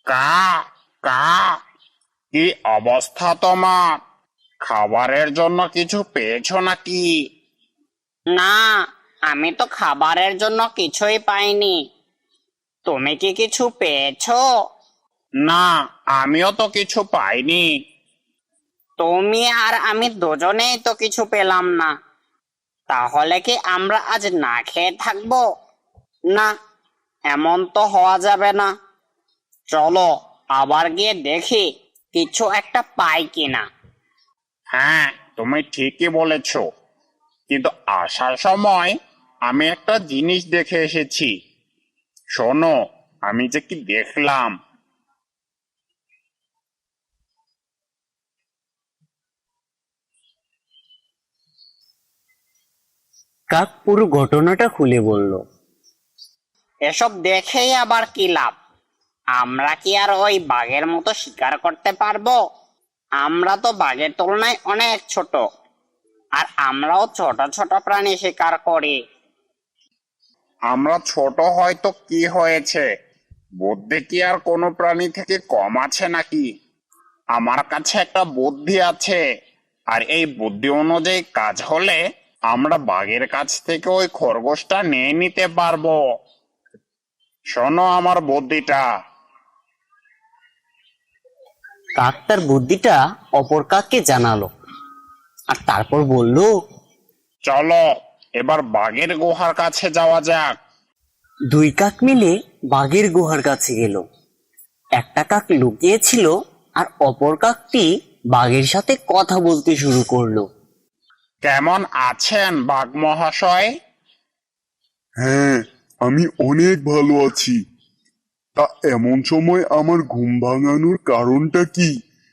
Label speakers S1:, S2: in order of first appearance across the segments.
S1: কা কা কি অবস্থা তোমার? খাবারের জন্য কিছু পেয়েছো নাকি?
S2: না, আমি তো খাবারের জন্য কিছুই পাইনি। তুমি কি কিছু পেয়েছো?
S1: না, আমিও তো কিছু পাইনি।
S2: তুমি আর আমি দুজনেই তো কিছু পেলাম না। তাহলে কি আমরা আজ না খেয়ে থাকবো? না, এমন তো হওয়া যাবে না। চলো আবার গিয়ে দেখি কিছু একটা পাই কিনা।
S1: হ্যাঁ, তুমি ঠিকই বলেছো, কিন্তু আসার সময় আমি একটা জিনিস দেখে এসেছি। শোনো, আমি যে কি দেখলাম।
S3: কাক পুরো ঘটনাটা খুলে বলল।
S2: এসব দেখেই আবার কি লাভ? আমরা কি আর ওই বাঘের মতো শিকার করতে পারবো? আমরা তো বাঘের তুলনায় অনেক ছোট, আর আমরাও ছোট ছোট প্রাণী শিকার করি।
S1: আমরা ছোট হয়তো কি হয়েছে, বুদ্ধি কি আর কোনো প্রাণী থেকে কম আছে নাকি? আমার কাছে একটা বুদ্ধি আছে, আর এই বুদ্ধি অনুযায়ী কাজ হলে আমরা বাঘের কাছ থেকে ওই খরগোশটা নিয়ে নিতে পারবো। শোনো আমার বুদ্ধিটা।
S3: কাক তার বুদ্ধিটা অপর কাককে জানালো, আর তারপর বলল,
S1: চলো এবার বাঘের গুহার কাছে যাওয়া যাক।
S3: দুই কাক মিলে বাঘের গুহার কাছে গেল। একটা কাক লুকিয়েছিল, আর অপর কাকটি বাঘের সাথে কথা বলতে শুরু করলো।
S1: কেমন আছেন বাঘ মহাশয়?
S4: হ্যাঁ, আমি অনেক ভালো আছি। তা এমন সময় আমার ঘুম ভাঙানোর কারণটা কি?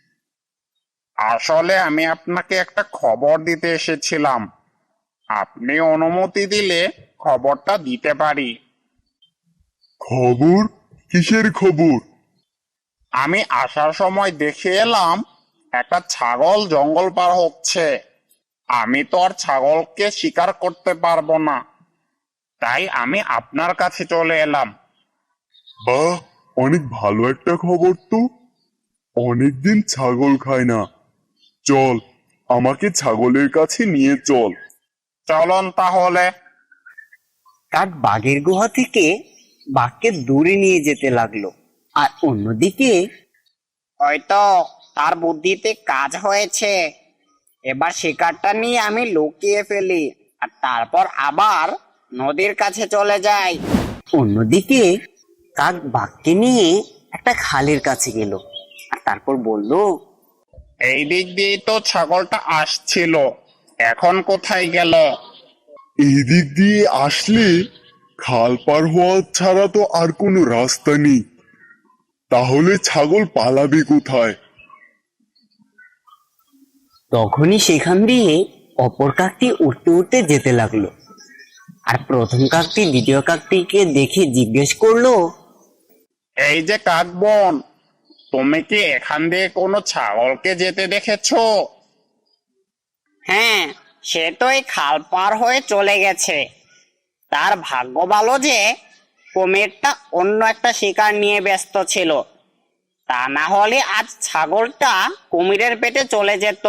S1: আসলে আমি আপনাকে একটা খবর দিতে এসেছিলাম। আপনি অনুমতি দিলে খবরটা দিতে পারি।
S4: খবর? কিসের খবর?
S1: আমি আসার সময় দেখে এলাম একটা ছাগল জঙ্গল পার হচ্ছে। আমি তো আর ছাগলকে শিকার করতে পারবো না, তাই আমি আপনার কাছে চলে এলাম।
S4: বাহ, অনেক ভালো একটা খবর তো। অনেকদিন ছাগল খায় না। চল, আমাকে ছাগলের কাছে নিয়ে চল।
S1: চলুন তাহলে।
S3: কাক বাঘের গুহা থেকে বাঘকে দূরে নিয়ে যেতে লাগলো, আর অন্যদিকে
S2: হয়তো তার বুদ্ধিতে কাজ হয়েছে। এবার শিকারটা নিয়ে আমি লুকিয়ে ফেলি, আর তারপর আবার নদীর কাছে চলে যাই।
S3: অন্যদিকে কাক বাঘকে নিয়ে একটা খালের কাছে গেল, আর তারপর বলল,
S1: এই দিক দিয়েই তো ছাগলটা আসছিল, এখন কোথায় গেল?
S4: এই দিক দিয়ে আসলে খাল পার হওয়া ছাড়া তো আর কোনো রাস্তা নেই। তাহলে ছাগল পালাবে কোথায়?
S3: তখনই সেখান দিয়ে অপর কাকটি উঠতে উঠতে যেতে লাগলো। আর প্রথম কাকটি দ্বিতীয় কাকটিকে দেখে জিজ্ঞেস করলো,
S1: এই যে কাক বোন, তুমি কি এখান দিয়ে কোনো ছাগলকে যেতে দেখেছো?
S2: হ্যাঁ, সে তো এই খাল পার হয়ে চলে গেছে। তার ভাগ্য ভালো যে কুমিরটা অন্য একটা শিকার নিয়ে ব্যস্ত ছিল। তা না হলে আজ ছাগলটা কুমিরের পেটে চলে যেত।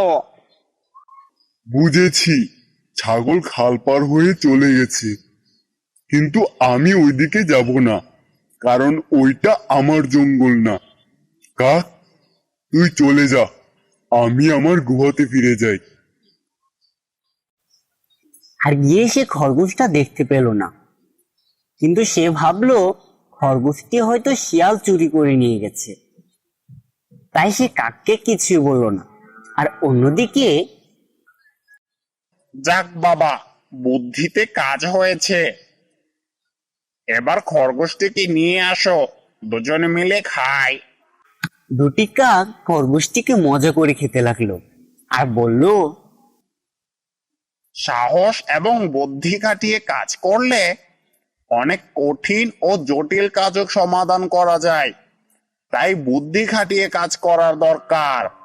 S4: বুঝেছি, ছাগল খাল পার হয়ে চলে গেছে। কিন্তু আমি ওইদিকে যাব না, কারণ ওইটা আমার জঙ্গল না। কাক, তুই চলে যা, আমি আমার গুহাতে ফিরে যাই।
S3: আর গিয়ে সে খরগোশটা দেখতে পেল না। কিন্তু সে ভাবলো খরগোশটি হয়তো শিয়াল চুরি করে নিয়ে গেছে, তাই সে কাককে কিছুই বলল না। আর অন্যদিকে
S1: যাক বাবা, বুদ্ধিতে কাজ হয়েছে। এবার খরগোশটিকে নিয়ে আসো, দুজনে মিলে খাই।
S3: দুটি কাক খরগোশটিকে মজা করে খেতে লাগলো, আর বলল,
S1: সাহস এবং বুদ্ধি খাটিয়ে কাজ করলে অনেক কঠিন ও জটিল কাজও সমাধান করা যায়। তাই বুদ্ধি খাটিয়ে কাজ করার দরকার।